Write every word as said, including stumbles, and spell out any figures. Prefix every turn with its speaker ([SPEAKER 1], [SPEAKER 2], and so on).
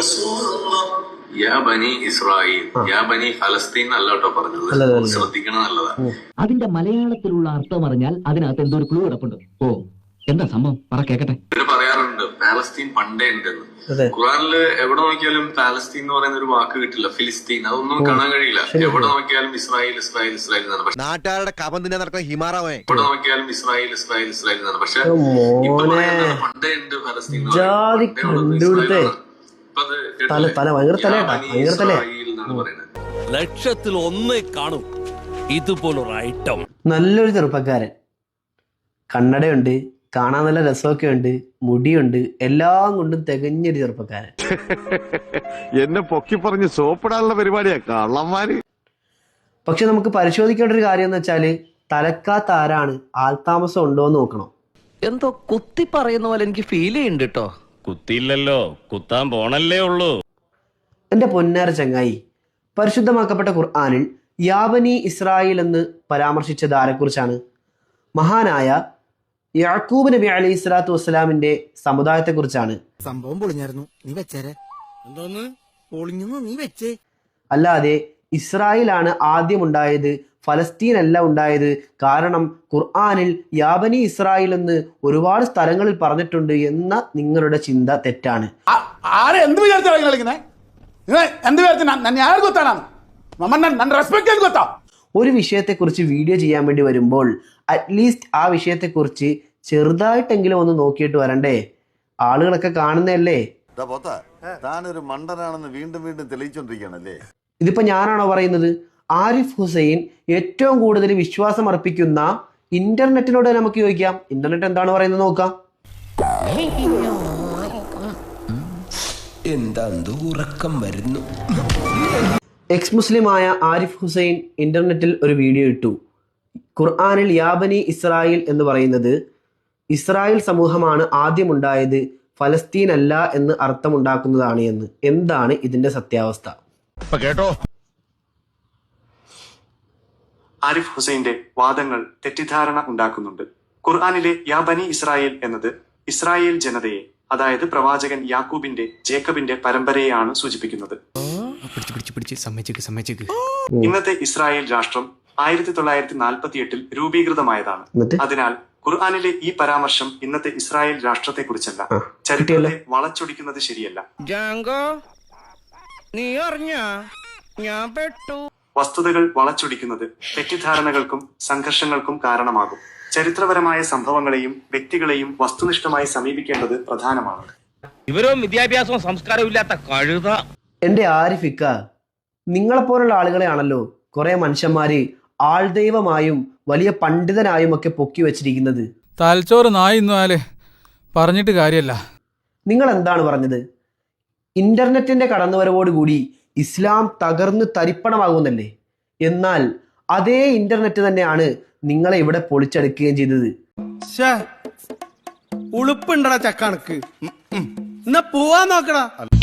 [SPEAKER 1] യാ ബനി ഇസ്രായേൽ, യാ ബനി ഫലസ്തീൻ അല്ലോട്ടോ പറഞ്ഞത്, ശ്രദ്ധിക്കണം നല്ലതാണ്.
[SPEAKER 2] അതിന്റെ മലയാളത്തിലുള്ള അർത്ഥം അറിഞ്ഞാൽ അതിനകത്ത് എന്തോ ഒരു ക്ലൂ കിടപ്പുണ്ട്. ഓ എന്താ സംഭവം പറ കേക്കട്ടെ.
[SPEAKER 1] ഇവര് പറയാറുണ്ട് പാലസ്തീൻ പണ്ടേ ഉണ്ടെന്ന്. ഖുറാനില് എവിടെ നോക്കിയാലും പാലസ്തീൻ എന്ന് പറയുന്ന ഒരു വാക്ക് കിട്ടില്ല. ഫിലിസ്തീൻ അതൊന്നും കാണാൻ കഴിയില്ല. എവിടെ നോക്കിയാലും ഇസ്രായേൽ ഇസ്രായേൽ ഇസ്രായേൽ എന്നാണ്. പക്ഷെ
[SPEAKER 3] നാട്ടുകാരുടെ കപന്തിനെ നടക്കുന്ന ഹിമാറാവേ
[SPEAKER 1] എവിടെ നോക്കിയാലും ഇസ്രായേൽ ഇസ്രായേൽ ഇസ്രായേൽ എന്നാണ്. പക്ഷെ പണ്ടേ ഉണ്ട് ഫലസ്തീൻ.
[SPEAKER 4] ലക്ഷത്തിൽ ഒന്നേ കാണും ഇതുപോലൊരു ഐറ്റം.
[SPEAKER 5] നല്ലൊരു ചെറുപ്പക്കാരൻ, കണ്ണടയുണ്ട്, കാണാൻ നല്ല രസമൊക്കെ ഉണ്ട്, മുടിയുണ്ട്, എല്ലാം കൊണ്ടും തികഞ്ഞൊരു ചെറുപ്പക്കാരൻ.
[SPEAKER 3] എന്നെ പൊക്കി പറഞ്ഞ് സോപ്പിടാനുള്ള പരിപാടിയാ കള്ളന്മാര്.
[SPEAKER 5] പക്ഷെ നമുക്ക് പരിശോധിക്കേണ്ട ഒരു കാര്യം എന്ന് വെച്ചാല് തലക്കാത്ത ആരാണ്, ആൾതാമസം ഉണ്ടോ എന്ന് നോക്കണം.
[SPEAKER 2] എന്തോ കുത്തി പറയുന്ന പോലെ എനിക്ക് ഫീൽ ചെയ്യുന്നുണ്ട് കേട്ടോ.
[SPEAKER 4] കുത്തിയില്ലല്ലോ, കുത്താൻ പോണല്ലേ ഉള്ളൂ.
[SPEAKER 5] എന്റെ പൊന്നാര ചങ്ങായി, പരിശുദ്ധമാക്കപ്പെട്ട ഖുർആനിൽ യാബനി ഇസ്രായേൽ എന്ന് പരാമർശിച്ചത് ആരെക്കുറിച്ചാണ്? മഹാനായ യാക്കൂബ് നബി അലൈഹി സ്വലാത്തു വസ്സലാമിന്റെ സമുദായത്തെ കുറിച്ചാണ്.
[SPEAKER 6] സംഭവം പൊളിഞ്ഞായിരുന്നു, നീ വെച്ചേരെ. എന്തോന്ന് പൊളിഞ്ഞു നീ വെച്ചേ?
[SPEAKER 5] അല്ലാതെ ഇസ്രായേലാണ് ആദ്യം ഉണ്ടായത്, ഫലസ്തീൻ അല്ല ഉണ്ടായത്. കാരണം ഖുർആനിൽ യാബനി ഇസ്രായേൽ എന്ന് ഒരുപാട് സ്ഥലങ്ങളിൽ പറഞ്ഞിട്ടുണ്ട് എന്ന നിങ്ങളുടെ ചിന്ത തെറ്റാണ്.
[SPEAKER 7] ആരെ എന്ത് വിചാരിച്ചാ എന്ത് വിചാരിച്ചാ
[SPEAKER 5] ഒരു വിഷയത്തെക്കുറിച്ച് വീഡിയോ ചെയ്യാൻ വേണ്ടി വരുമ്പോൾ അറ്റ്ലീസ്റ്റ് ആ വിഷയത്തെക്കുറിച്ച് ചെറുതായിട്ടെങ്കിലും ഒന്ന് നോക്കിയിട്ട് വരണ്ടേ? ആളുകളൊക്കെ കാണുന്നതല്ലേ.
[SPEAKER 3] താനൊരു മണ്ടനാണെന്ന് വീണ്ടും വീണ്ടും തെളിയിച്ചോണ്ടിരിക്കുകയാണല്ലേ.
[SPEAKER 5] ഇതിപ്പോ ഞാനാണോ പറയുന്നത്? ആരിഫ് ഹുസൈൻ ഏറ്റവും കൂടുതൽ വിശ്വാസം അർപ്പിക്കുന്ന ഇന്റർനെറ്റിനോട് നമുക്ക് ചോദിക്കാം. ഇന്റർനെറ്റ് എന്താണ് പറയുന്നത് നോക്കാം.
[SPEAKER 8] എന്താ ഉറക്കം വരുന്നു.
[SPEAKER 5] എക്സ് മുസ്ലിമായ ആരിഫ് ഹുസൈൻ ഇന്റർനെറ്റിൽ ഒരു വീഡിയോ ഇട്ടു. ഖുർആനിൽ യാബനി ഇസ്രായേൽ എന്ന് പറയുന്നത് ഇസ്രായേൽ സമൂഹമാണ് ആദ്യമുണ്ടായത്, ഫലസ്തീൻ അല്ല എന്ന് അർത്ഥമുണ്ടാക്കുന്നതാണ് എന്ന്. എന്താണ് ഇതിന്റെ സത്യാവസ്ഥ?
[SPEAKER 3] കേട്ടോ,
[SPEAKER 9] ആരിഫ് ഹുസൈന്റെ വാദങ്ങൾ തെറ്റിദ്ധാരണ ഉണ്ടാക്കുന്നുണ്ട്. ഖുർആനിലെ യാ ബനി ഇസ്രായേൽ എന്നത് ഇസ്രായേൽ ജനതയെ, അതായത് പ്രവാചകൻ യാക്കൂബിന്റെ ജേക്കബിന്റെ പരമ്പരയെയാണ് സൂചിപ്പിക്കുന്നത്. ഇന്നത്തെ ഇസ്രായേൽ രാഷ്ട്രം ആയിരത്തി തൊള്ളായിരത്തി നാൽപ്പത്തി എട്ടിൽ രൂപീകൃതമായതാണ്. അതിനാൽ ഖുർആനിലെ ഈ പരാമർശം ഇന്നത്തെ ഇസ്രായേൽ രാഷ്ട്രത്തെ കുറിച്ചല്ല. ചരിത്രത്തെ വളച്ചൊടിക്കുന്നത് ശരിയല്ല. വസ്തുതകൾ വളച്ചൊടിക്കുന്നത് തെറ്റിദ്ധാരണകൾക്കും സംഘർഷങ്ങൾക്കും കാരണമാകും. ചരിത്രപരമായ സംഭവങ്ങളെയും വ്യക്തികളെയും വസ്തുനിഷ്ഠമായി സമീപിക്കേണ്ടത് പ്രധാനമാണ്.
[SPEAKER 4] ഇവരും വിദ്യാഭ്യാസവും സംസ്കാരവും ഇല്ലാത്ത കഴുത.
[SPEAKER 5] എന്റെ ആരിഫിക്ക, നിങ്ങളെപ്പോലുള്ള ആളുകളെയാണല്ലോ കുറെ മനുഷ്യന്മാര് ആൾദൈവമായും വലിയ പണ്ഡിതനായും ഒക്കെ പൊക്കി വെച്ചിരിക്കുന്നത്.
[SPEAKER 10] തലച്ചോറ് നായിന്നാല് പറഞ്ഞിട്ട് കാര്യമല്ല.
[SPEAKER 5] നിങ്ങൾ എന്താണ് പറഞ്ഞത്? ഇന്റർനെറ്റിന്റെ കടന്നുവരവോടുകൂടി ഇസ്ലാം തകർന്ന് തരിപ്പണമാകുന്നല്ലേ? എന്നാൽ അതേ ഇന്റർനെറ്റ് തന്നെയാണ് നിങ്ങളെ ഇവിടെ പൊളിച്ചെടുക്കുകയും ചെയ്തത്.
[SPEAKER 6] ഉളുപ്പുണ്ടടാ ചക്കണക്ക്, എന്നാ പോവാൻ നോക്കടാ.